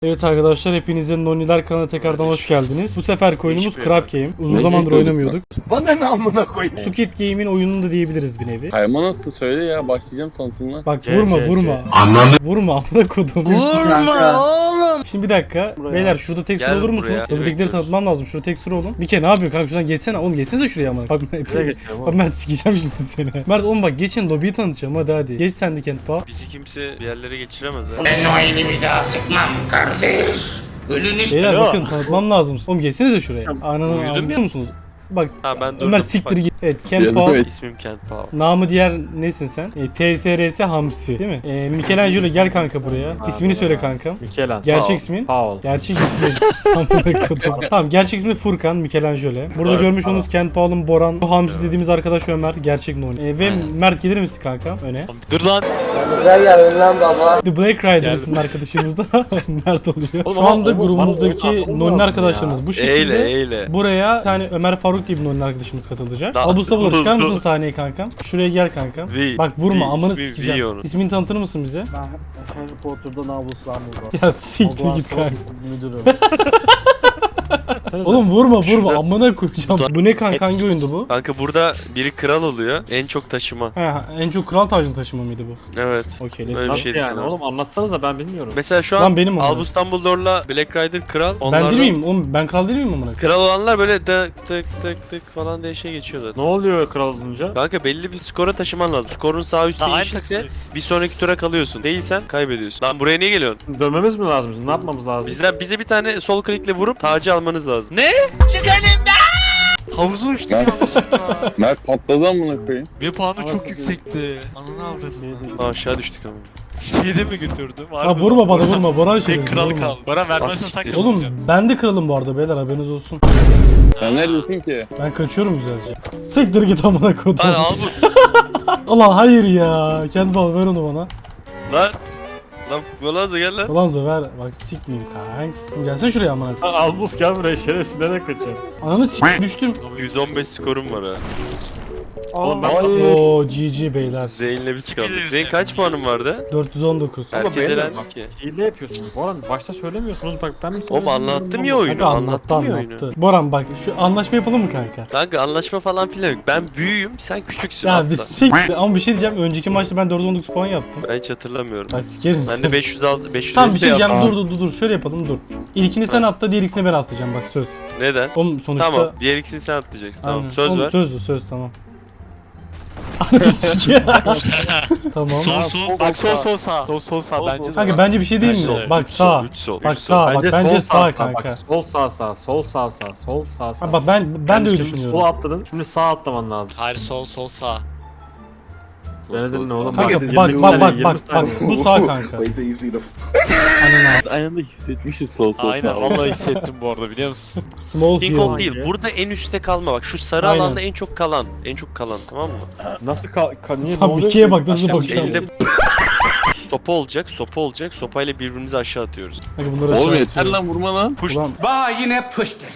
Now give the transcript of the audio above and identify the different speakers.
Speaker 1: Evet arkadaşlar, hepinizin Noniler kanalına tekrardan hoş geldiniz. Bu sefer oyunumuz Crab Game. Uzun zamandır oynamıyorduk.
Speaker 2: Bana ne amına koyayım?
Speaker 1: Squid Game'in oyununu da diyebiliriz bir nevi.
Speaker 3: Kayma nasıl söyle ya, başlayacağım tanıtımına.
Speaker 1: Bak vurma.
Speaker 2: Ananı.
Speaker 1: Vurma amına kodum.
Speaker 2: Vurma oğlum.
Speaker 1: Şimdi bir dakika. Beyler şurada tek sıra
Speaker 4: Gel
Speaker 1: olur musunuz?
Speaker 4: buraya.
Speaker 1: Öbürdekileri
Speaker 4: Bekliyoruz.
Speaker 1: tanıtmam lazım. Şurada tek sıra olun. Bir kere ne yapıyorsun kanka, şuradan geçsene. Oğlum geçsenize şuraya amına. Bak Bak Mert, sikeceğim şimdi seni. Mert oğlum bak, geçin lobiyi tanıtacağım, hadi. Geç sen de Kent Bağ.
Speaker 4: Bizi kimse bir yerlere geçiremez ha.
Speaker 2: Ben o elini bir daha sıkmam kardeş. Ölünüz.
Speaker 1: Beyler bakın, tanıtmam lazım. Oğlum geçsenize şuraya. Ananı
Speaker 4: Uyudum
Speaker 1: anlıyor
Speaker 4: ya.
Speaker 1: musunuz? Bak
Speaker 4: Ha ben durdum.
Speaker 1: Ömer siktir
Speaker 4: Bak,
Speaker 1: git. Evet Kent
Speaker 3: Geldim,
Speaker 1: Bağ.
Speaker 3: evet.
Speaker 4: İsmim Kent Powell.
Speaker 1: Namı diğer nesin sen? TSRS Hamsi değil mi? Michelangelo gel kanka buraya. İsmini söyle kankam.
Speaker 5: Michelangelo.
Speaker 1: Gerçek ismin?
Speaker 5: Paul.
Speaker 1: Gerçek ismin. Tamam, gerçek ismi Furkan Michelangelo. Burada görmüş olduğunuz Kent Paul'un Boran, bu Hamsi dediğimiz arkadaş Ömer. Gerçek Noni. Ve Mert gelir misin kanka öne?
Speaker 4: Dur lan.
Speaker 6: Güzel geldin lan baba.
Speaker 1: The Black Rider isimli arkadaşımız da Mert oluyor.
Speaker 5: Oğlum
Speaker 1: Şu
Speaker 5: ama
Speaker 1: anda
Speaker 5: oğlum,
Speaker 1: grubumuzdaki
Speaker 5: bana oyun atmamız
Speaker 1: Noni
Speaker 5: lazım
Speaker 1: arkadaşlarımız bu şekilde.
Speaker 4: Eyle.
Speaker 1: Buraya bir tane Ömer Faruk diye bir Noni arkadaşımız katılacak.
Speaker 4: Da-
Speaker 1: Abusta bulur, çıkar mısın sahneye kankam? Şuraya gel kankam.
Speaker 4: V.
Speaker 1: Bak vurma,
Speaker 4: V,
Speaker 1: amanı
Speaker 4: ismi V
Speaker 1: sikeceğim.
Speaker 4: onun.
Speaker 1: İsmini tanıtır mısın bize?
Speaker 5: Ben Harry Potter'da Namus Dumbledore.
Speaker 1: Ya siktir git kanka.
Speaker 5: Müdürüm.
Speaker 1: Oğlum vurma amına koyacağım. Bu ne kanka, hangi oyundu bu?
Speaker 4: Kanka burada biri kral oluyor. En çok taşıma.
Speaker 1: He, en çok kral tacını taşıma mıydı bu?
Speaker 4: Evet.
Speaker 1: Okey,
Speaker 4: Öyle
Speaker 1: let's
Speaker 4: bir
Speaker 1: go.
Speaker 5: Nasıl
Speaker 4: şey
Speaker 5: yani
Speaker 4: düşünüyorum.
Speaker 5: oğlum, anlatsanıza, ben bilmiyorum.
Speaker 4: Mesela şu
Speaker 1: Lan
Speaker 4: an
Speaker 1: benim onlar.
Speaker 4: Albus Dumbledore'la Black Rider kral.
Speaker 1: Ben
Speaker 4: Onlardan-
Speaker 1: değil miyim? Oğlum ben kral değil miyim amına?
Speaker 4: Kral olanlar böyle tık tık tık falan diye şey geçiyorlar.
Speaker 5: Ne oluyor kral olunca?
Speaker 4: Kanka belli bir skora taşıman lazım. Skorun sağ üstü yeşilse bir sonraki tura kalıyorsun. Değilsen kaybediyorsun. Lan buraya niye geliyorsun?
Speaker 5: Dönmemiz mi lazım? Ne yapmamız lazım?
Speaker 4: Bize bir tane sol klikle vurup tacı almanız lazım. Ne?
Speaker 7: Havuza uçtum
Speaker 3: Ben-
Speaker 7: yanlışlıkla.
Speaker 3: Mert patladı amına koyayım.
Speaker 7: Ve puanı çok yüksekti. Ananı avradını.
Speaker 4: Aşağı düştük ama.
Speaker 7: Şeyde mi götürdüm?
Speaker 1: Ha vurma bana, vurma. Boran şey.
Speaker 7: Tek kral kaldı. Bana vermezsen sen
Speaker 4: Siktir.
Speaker 7: kazanacaksın.
Speaker 1: Oğlum ben de kralım bu arada beyler, haberiniz olsun.
Speaker 3: Sen neredesin ki?
Speaker 1: Ben kaçıyorum güzelce. Siktir git amına kodum.
Speaker 4: Lan Albus.
Speaker 1: Ulan hayır ya. Kendi bal ver onu bana.
Speaker 4: Lan. Lan Golazo gel lan.
Speaker 1: Ulan ver. Bak sikmeyeyim kanks. Gelsene şuraya amına.
Speaker 5: Lan Albus gel buraya, şerefsiz, nereye kaçıyorsun?
Speaker 1: Ananı sik düştüm.
Speaker 4: 115 skorum var ha.
Speaker 5: Oğlum ben
Speaker 1: Oo GG beyler.
Speaker 4: Zeyn'le biz kaldık.
Speaker 7: Biliriz
Speaker 4: Zeyn
Speaker 7: yani.
Speaker 4: kaç puanın vardı?
Speaker 1: 419.
Speaker 4: Herkes
Speaker 5: beyler,
Speaker 4: elendi
Speaker 5: bak.
Speaker 4: ki.
Speaker 5: hile yapıyorsunuz. Boran başta söylemiyorsunuz, bak ben mi
Speaker 4: Oğlum
Speaker 5: söyledim?
Speaker 4: anlattım ya oyunu.
Speaker 1: Kanka anlattı
Speaker 4: Anlattım ya oyunu.
Speaker 1: anlattı. Boran bak, şu anlaşma yapalım mı kanka?
Speaker 4: Kanka anlaşma falan filan yok. Ben büyüğüm, sen küçüksün
Speaker 1: Ya
Speaker 4: hatta.
Speaker 1: bir siktir. Ama bir şey diyeceğim. Önceki maçta ben 419 puan yaptım.
Speaker 4: Ben hiç hatırlamıyorum.
Speaker 1: Bak sikerim
Speaker 4: Ben
Speaker 1: seni.
Speaker 4: de 500
Speaker 1: Tamam bir şey diyeceğim,
Speaker 4: yaptım.
Speaker 1: dur şöyle yapalım, dur. İlkini sen atla, diğer ikisini ben atlayacağım, bak söz.
Speaker 4: Neden?
Speaker 1: Oğlum sonuçta...
Speaker 4: Tamam. Diğer ikisini sen atlayacaksın. Tamam.
Speaker 1: Aynen.
Speaker 4: Söz
Speaker 1: Oğlum,
Speaker 4: ver.
Speaker 1: Söz tamam. Ananı sikeyim. Tamam.
Speaker 7: Sol sağ. Sol sağ bence de.
Speaker 1: Kanka bence bir şey değil mi? Bak sağ.
Speaker 4: 3 sol.
Speaker 1: Bak
Speaker 4: üç sol.
Speaker 1: sağ. Bak bence sağ kanka.
Speaker 5: Bak, sol sağ sağ, sol sağ sağ, sol sağ sağ.
Speaker 1: Ha, bak ben de öyle
Speaker 5: Şimdi
Speaker 1: düşünüyorum.
Speaker 5: sola atladın, şimdi sağ atlaman lazım.
Speaker 7: Hayır sol sağ.
Speaker 5: Beni dinle oğlum.
Speaker 1: Kanka
Speaker 5: Bak,
Speaker 1: bak
Speaker 5: 20
Speaker 1: bak
Speaker 5: saniye,
Speaker 1: bak
Speaker 5: 20
Speaker 1: bak
Speaker 5: saniye.
Speaker 1: bu sağ kanka.
Speaker 2: Wait till you see the
Speaker 1: Ananı.
Speaker 3: Aynı anda hissetmişiz sol
Speaker 7: Aynen
Speaker 3: sağ.
Speaker 7: vallahi hissettim bu arada, biliyor musun?
Speaker 1: Small
Speaker 4: King Kong
Speaker 1: hill.
Speaker 4: değil. Burada en üstte kalma bak. Şu sarı
Speaker 1: Aynen.
Speaker 4: alanda en çok kalan. En çok kalan, tamam mı?
Speaker 5: Nasıl niye ne
Speaker 1: Abi
Speaker 5: oluyor
Speaker 1: ikiye
Speaker 5: ki?
Speaker 1: bak nasıl
Speaker 5: Aşağı
Speaker 1: bakıyor.
Speaker 4: Elinde sopa olacak, sopa olacak. Sopayla birbirimizi aşağı atıyoruz.
Speaker 1: Kanka bunları
Speaker 3: Oğlum
Speaker 1: aşağı
Speaker 3: yeter
Speaker 1: atıyorum.
Speaker 3: lan, vurma lan.
Speaker 4: Push.
Speaker 1: Ulan